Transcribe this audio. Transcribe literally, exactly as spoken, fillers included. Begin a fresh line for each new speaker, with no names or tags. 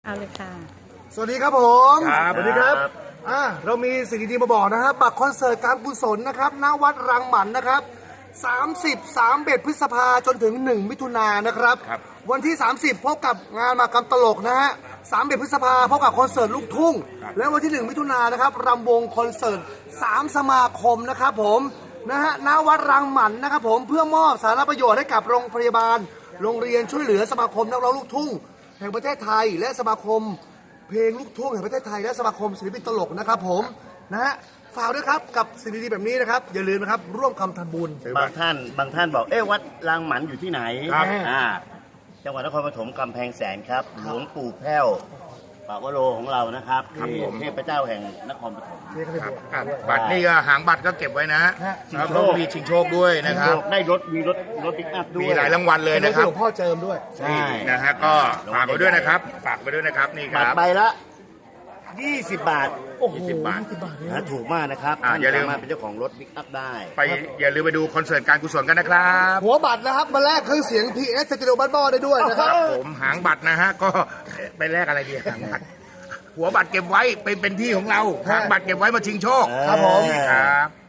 เอาเลยค่ะ
สวัสดีครับผม
ครับ
สวัสดีครับอ่าเรามีสิ่งดีๆมาบอกนะครับบัตรคอนเสิร์ตการกุศลนะครับณวัดรังหมันนะครับสามสิบ สามสิบเอ็ดพฤษภาจนถึงหนึ่งมิถุนายนนะครับ
ครับ
วันที่ สามสิบ พบกับงานมากรรมตลกนะฮะสามสิบเอ็ดพฤษภาพบกับคอนเสิร์ตลูกทุ่ง และวันที่หนึ่งมิถุนายนนะครับรำวงคอนเสิร์ตสามสมาคมนะครับผมนะฮะณวัดรังหมันนะครับผมเพื่อมอบสาธารณประโยชน์ให้กับโรงพยาบาลโรงเรียนช่วยเหลือสมาคมนักร้องลูกทุ่งแห่งประเทศไทยและสมาคมเพลงลูกทุ่งแห่งประเทศไทยและสมาคมศิลปินตลกนะครับผมนะฮะฝากด้วยครับกับสิ่งดีๆแบบนี้นะครับอย่าลืมนะครับร่วมคำทำบุญ
บางท่านบางท่านบอกเอ๊ะวัดรางหมันอยู่ที่ไหน
ครับ
อ่าจังหวัดนครปฐมกำแพงแสนครับหลวงปู่แพ้วปากวโรของเรานะครับ
ครับ
ที่
ผม
เทพเจ้าแห่งนครปฐม
ครับครับบัตรนี่ก็หางบัตรก็เก็บไว้นะ
ฮะ
แล้วก็มีชิงโชคด้วยนะครับ
ได้รถมีรถรถปิกอัพด้วย
มีหลายรางวัลเลยนะครับ
หลวงพ่อเจิมด้วย
ใช่
นะฮะก็ฝากไว้ด้วยนะครับ ฝากไว้ด้วยนะครับนี่ค
บัต
รั
ร
บ
ใบละยี่สิบบาท
โอ้โห
ยี่สิบบาท
ยี่สิบบาทเนี่ย
นะถูกมากนะครับ
อ่าอย่าลืม
สามารถเป็นเจ้าของรถปิกอัพได้
ไปอย่าลืมไปดูคอนเสิร์ตการกุศลกันนะครับ
หัวบัตรนะครับมาแลกเครื่องเสียง พี เอส สตูดิโอบ้านบ่อได้ด้วยนะครับ
ผมหางบัตรนะฮะก็ไปแลกอะไรดีหางบัตรหัวบัตรเก็บไว้เป็นเป็นที่ของเราหางบัตรเก็บไว้มาชิงโชค
ครับผม
ครับ